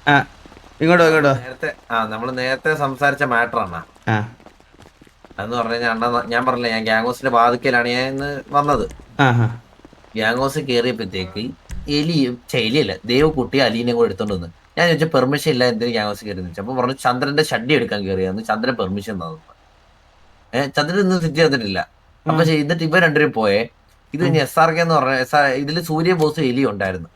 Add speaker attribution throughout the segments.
Speaker 1: ഇങ്ങോട്ടോ
Speaker 2: നേരത്തെ നമ്മള് നേരത്തെ സംസാരിച്ച മാറ്ററാണ് അതെന്ന് പറഞ്ഞു കഴിഞ്ഞാൽ അണ്ണ ഞാൻ പറഞ്ഞില്ല ഞാൻ ഗ്യാങ് ബാധിക്കലാണ് ഞാൻ ഇന്ന് വന്നത്. ഗ്യാങ് കയറിയപ്പോഴത്തേക്ക് എലിയല്ല ദേവക്കുട്ടി അലീനെ കൂടെ എടുത്തോണ്ട് വന്ന്. ഞാൻ ചോദിച്ചാൽ പെർമിഷൻ ഇല്ല എന്തിനും ഗ്യാങ് കയറി അപ്പൊ പറഞ്ഞു ചന്ദ്രന്റെ ഷഡ്ഡി എടുക്കാൻ കയറിയാന്ന്. ചന്ദ്രൻ പെർമിഷൻ തന്നു. ചന്ദ്രൻ ഇന്ന് സിറ്റി തന്നിട്ടില്ല. അപ്പൊ എന്നിട്ട് ഇവ രണ്ടുപേരും പോയേ. ഇത് കഴിഞ്ഞ് SRK എന്ന് പറഞ്ഞ ഇതില് സൂര്യ ബോസ് എലി ഉണ്ടായിരുന്നു.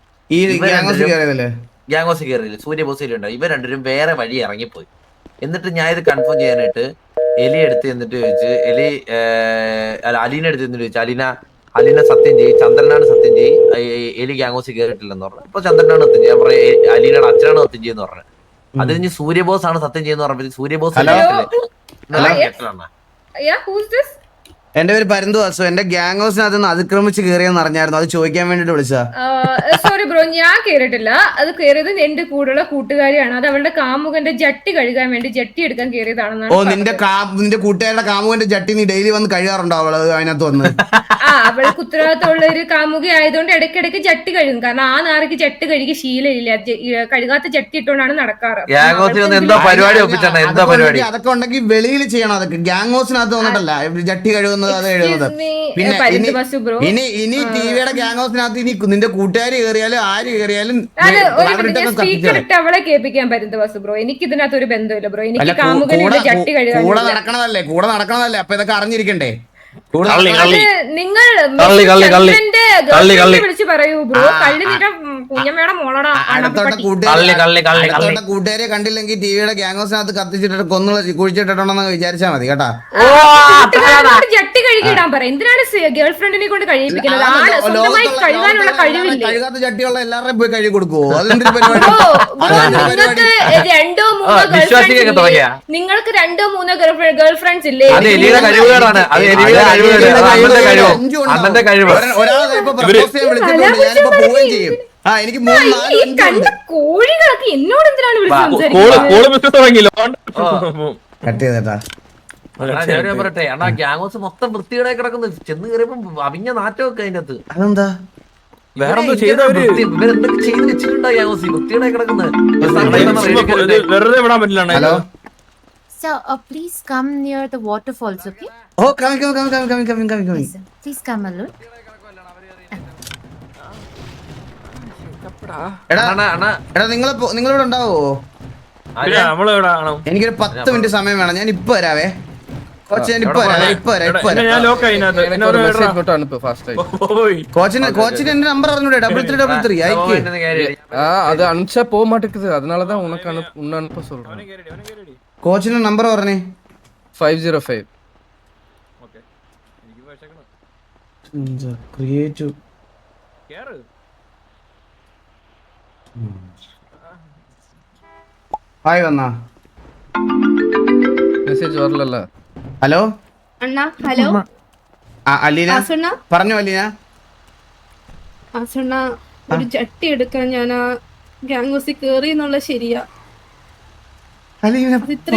Speaker 2: ഗ്യാങ് കയറിയില്ല, സൂര്യ ബോസ് എലി ഉണ്ടായി. ഇവ രണ്ടുപേരും വേറെ വഴി ഇറങ്ങിപ്പോയി. എന്നിട്ട് ഞാൻ ഇത് കൺഫേം ചെയ്യാനായിട്ട് എലി എടുത്ത് എന്നിട്ട് ചോദിച്ച് അലീന എടുത്ത് എന്നിട്ട് ചോദിച്ചു അലീന സത്യം ചെയ്യും, ചന്ദ്രനാണ് സത്യം ചെയ്യും, എലി ഗ്യാങ്ങോസ് കയറിയിട്ടില്ലെന്ന് പറഞ്ഞു. അപ്പൊ ചന്ദ്രനാണ് സത്യം ചെയ്യും. ഞാൻ പറയാം അലീനയുടെ അച്ഛനാണ് സത്യം ചെയ്യുന്ന പറഞ്ഞു. അത് കഴിഞ്ഞ് സൂര്യബോസ് ആണ് സത്യം ചെയ്യുന്ന പറഞ്ഞപ്പോ സൂര്യബോസ്
Speaker 1: എന്റെ പേര് പരന്തുവാസു. എന്റെ ഗ്യാങ് ഹൗസിനകത്ത് നിന്ന് അതിക്രമിച്ച് കയറിയെന്ന് അറിഞ്ഞായിരുന്നു. അത് ചോദിക്കാൻ വേണ്ടിട്ട് വിളിച്ചാ.
Speaker 3: സോറി ബ്രോ, ഞാൻ കേറിയിട്ടില്ല. അത് കയറിയത് എന്റെ കൂടെയുള്ള കൂട്ടുകാരിയാണ്. അത് അവളുടെ കാമുകന്റെ ജട്ടി കഴുകാൻ വേണ്ടി ജട്ടി എടുക്കാൻ കയറിയതാണെന്നാണ്.
Speaker 1: ഓ, നിന്റെ കൂട്ടുകാരുടെ കാമുകന്റെ ജട്ടി നീ ഡെയിലി വന്ന് കഴുകാറുണ്ടോ അവള് അതിനകത്ത് വന്ന്?
Speaker 3: അവൾക്ക് ഉത്തരവാദിത്തമുള്ള ഒരു കാമുക ആയതുകൊണ്ട് ഇടയ്ക്കിടയ്ക്ക് ജട്ടി കഴുകും. കാരണം ആ നാറിക്ക് ജട്ടി കഴുകി ശീലമില്ല. കഴുകാത്ത ജട്ടി ഇട്ടുകൊണ്ടാണ് നടക്കാറ്.
Speaker 1: അതൊക്കെ ഉണ്ടെങ്കിൽ വെളിയിൽ ചെയ്യണം. അതൊക്കെ ഗ്യാങ് ഹൗസിനകത്ത് വന്നിട്ടല്ല ജട്ടി കഴുകുന്നത്, അത് എഴുതുന്നത്. പിന്നെ ഇനി ടിവിയുടെ ഗ്യാങ് ഹൗസിനകത്ത് ഇനി നിന്റെ കൂട്ടുകാർ കയറിയാലും ആര് കയറിയാലും
Speaker 3: അവളെ കേൾപ്പിക്കാൻ പറ്റുന്ന ബസ് ബ്രോ. എനിക്ക് ഇതിനകത്ത് ഒരു ബന്ധമില്ല ബ്രോ. എനിക്ക് കാമുകന്റെ ജട്ടി കഴുകാൻ
Speaker 1: കൂടെ നടക്കണതല്ലേ. അപ്പൊ ഇതൊക്കെ അറിഞ്ഞിരിക്കണ്ടേ?
Speaker 3: നിങ്ങൾ വിളിച്ചു പറയൂ ബ്രോ. കുഞ്ഞമ്മയുടെ മോളടാ.
Speaker 1: കൂട്ടുകാരെ കണ്ടില്ലെങ്കിൽ ടിവിയുടെ ഗ്യാങ് ഹൗസിനകത്ത് കത്തിച്ചിട്ട് കുഴിച്ചിട്ടുണ്ടെന്ന് വിചാരിച്ചാ മതി കേട്ടാ.
Speaker 3: ജട്ടി കഴുകിയിടാൻ പറ. എന്തിനാണ് ഗേൾ ഫ്രണ്ടിനെ കൊണ്ട് കഴിയിപ്പിക്കുന്നത്? കഴുകാനുള്ള കഴിവില്ല.
Speaker 1: കഴുകാത്ത ചട്ടിയുള്ള എല്ലാവരുടെയും പോയി കഴുകി കൊടുക്കുവോ? അതെന്തൊരു പരിപാടി?
Speaker 3: നിങ്ങൾക്ക് 2-3 ഗേൾ ഫ്രണ്ട്സ് ഇല്ലേ?
Speaker 1: ഒരാളെ ഇപ്പൊ പ്രപ്പോസ് ചെയ്യാൻ വിളിച്ചിട്ടുണ്ട്. ഞാനിപ്പോ പോവുകയും ചെയ്യും. എനിക്ക്
Speaker 3: കോഴികളൊക്കെ എന്നോട് എന്തിനാണ്
Speaker 2: പറയട്ടെ അണ്ണാ ഗ്യാങ് ഹൗസ് മൊത്തം വൃത്തികേടായി കിടക്കുന്നത്. ചെന്ന് കയറിയപ്പോ അവിഞ്ഞ നാറ്റമൊക്കെ അതിനകത്ത്.
Speaker 1: അതെന്താ?
Speaker 2: വേറെന്തോ ഇവരെന്തൊക്കെ ചെയ്ത് വെച്ചിട്ടുണ്ടോ ഗ്യാങ് ഹൗസ് വൃത്തികേടായി കിടക്കുന്നത്?
Speaker 1: Hello
Speaker 4: Sir, please come near the waterfalls, okay?
Speaker 1: Oh, coming.
Speaker 4: Yes, sir. Please come alone.
Speaker 1: എടാ നിങ്ങളിവിടെ ഉണ്ടാവോ? എനിക്കൊരു 10 മിനിറ്റ് സമയം വേണം. ഞാൻ ഇപ്പൊ വരാവേ. കോച്ചിന് എന്റെ നമ്പർ അറിഞ്ഞൂടെ? 3333 അയക്ക്.
Speaker 5: அது அனுப்பிச்சா போக மாட்டேங்குது. அதனாலதான் உனக்கு அனுப்ப சொல்றேன்.
Speaker 1: കോച്ചിന്റെ നമ്പർ പറഞ്ഞേ.
Speaker 5: 505.
Speaker 1: ക്രിയേറ്റീവ് ഹായ് വന്നാ
Speaker 5: മെസ്സേജ് வரலல.
Speaker 1: ഹലോ
Speaker 6: അണ്ണാ. ഹലോ
Speaker 1: അലീന പറഞ്ഞു. അലീന
Speaker 6: ആസണ്ണ, ഒരു ചട്ടി എടുക്കാൻ ഞാൻ ആ ഗ്യാങ് ഹൗസിൽ കേറി എന്നുള്ള ശരിയാ?
Speaker 1: അലീന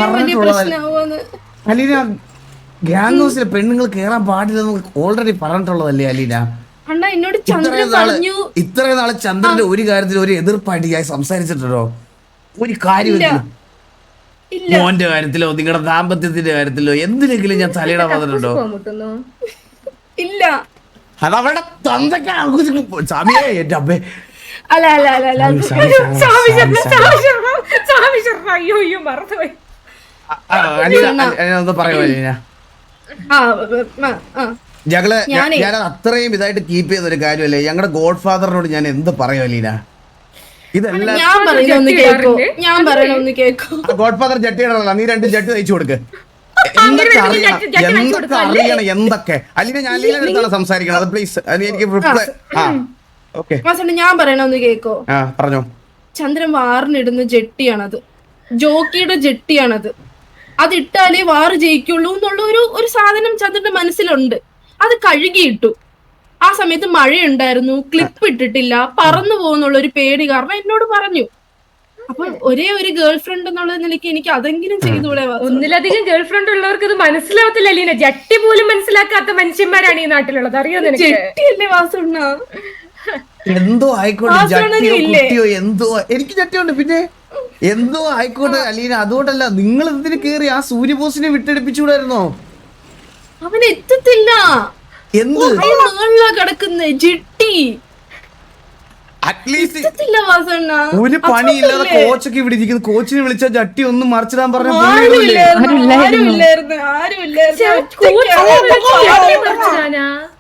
Speaker 1: ഗ്യാങ് ഹൗസിലെ പെണ്ണുങ്ങൾ കേറാൻ പാടില്ലെന്ന് ഓൾറെഡി പറഞ്ഞിട്ടുള്ളതല്ലേ അലീന?
Speaker 6: അണ്ണാ എന്നോട് ചന്ദ്രൻ പറഞ്ഞു.
Speaker 1: ഇത്രയും നാളെ ചന്ദ്രന്റെ ഒരു കാര്യത്തിൽ ഒരു എതിർപ്പായിട്ട് ഞാൻ സംസാരിച്ചിട്ടുണ്ടോ? ഒരു കാര്യമില്ല. മോന്റെ കാര്യത്തിലോ നിങ്ങളുടെ ദാമ്പത്യത്തിന്റെ കാര്യത്തിലോ എന്തിനെങ്കിലും ഞാൻ തലയിടാൻ വന്നിട്ടുണ്ടോ?
Speaker 6: ഇല്ല.
Speaker 1: അതവരുടെ സമയേ എന്റെ അമ്മേ.
Speaker 6: അല്ല അല്ല അല്ല അല്ല
Speaker 1: ഞാൻ അത്രയും ഇതായിട്ട് കീപ്പ് ചെയ്ത ഒരു കാര്യമല്ലേ. ഞങ്ങളുടെ ഗോഡ് ഫാദറിനോട് ഞാൻ എന്ത് പറയും അലീന? ഇതെല്ലാം ഗോഡ് ഫാദർ ജട്ടിയുടെ നീ 2 ജട്ടി തയ്ച്ചു കൊടുക്ക്. എന്തൊക്കെ അറിയണം എന്തൊക്കെ. അലീന ഞാൻ അലീനയുടെ അടുത്താണ് സംസാരിക്കണം. അത് പ്ലീസ് എനിക്ക് റിപ്ലൈ.
Speaker 6: ഞാൻ പറയണൊന്ന് കേക്കോ?
Speaker 1: പറഞ്ഞോ.
Speaker 6: ചന്ദ്രൻ വാറിനിടുന്ന ജെട്ടിയാണത്. ജോക്കിയുടെ ജെട്ടിയാണത്. അതിട്ടാലേ വാറ് ജയിക്കുള്ളൂ എന്നുള്ള ഒരു സാധനം ചന്ദ്രന്റെ മനസ്സിലുണ്ട്. അത് കഴുകിയിട്ടു. ആ സമയത്ത് മഴയുണ്ടായിരുന്നു, ക്ലിപ്പ് ഇട്ടിട്ടില്ല, പറന്നു പോകുന്നുള്ള ഒരു പേടി കാരണം എന്നോട് പറഞ്ഞു. അപ്പൊ ഒരേ ഒരു ഗേൾ ഫ്രണ്ട് എന്നുള്ള നിലയ്ക്ക് എനിക്ക് അതെങ്കിലും ചെയ്തുകൂടെ?
Speaker 3: ഒന്നിലധികം ഗേൾ ഫ്രണ്ട് ഉള്ളവർക്ക് ഇത് മനസ്സിലാവത്തില്ല അലീന. ജട്ടി പോലും മനസ്സിലാക്കാത്ത മനുഷ്യന്മാരാണ് ഈ നാട്ടിലുള്ളത്. അറിയോ?
Speaker 6: ജെട്ടിയല്ലേ വാസുണ്ണ?
Speaker 1: എന്തോ ആയിക്കോട്ടെ, ജട്ടിയോ കുട്ടിയോ എന്തോ. എനിക്ക് ജട്ടിയുണ്ട്. പിന്നെ എന്തോ ആയിക്കോട്ടെ അലീന, അതുകൊണ്ടല്ല. നിങ്ങൾ എന്തിനു കേറി ആ സൂര്യബോസിനെ വിട്ടെടുപ്പിച്ചുകൂടായിരുന്നോ?
Speaker 6: അവൻ എത്തത്തില്ല.
Speaker 1: എന്ത്
Speaker 6: കിടക്കുന്ന ജെട്ടി
Speaker 1: അറ്റ്ലീസ്റ്റ്
Speaker 6: എത്തത്തില്ല വാസണ്ണ.
Speaker 1: ഒരു പണിയില്ലാതെ കോച്ചൊക്കെ ഇവിടെ ഇരിക്കുന്നു. കോച്ചിനെ വിളിച്ച ജട്ടി ഒന്നും മറിച്ചിടാൻ പറഞ്ഞ
Speaker 6: ആരുമില്ലായിരുന്നു.
Speaker 3: കോച്ച് മറിച്ചിടാനാ?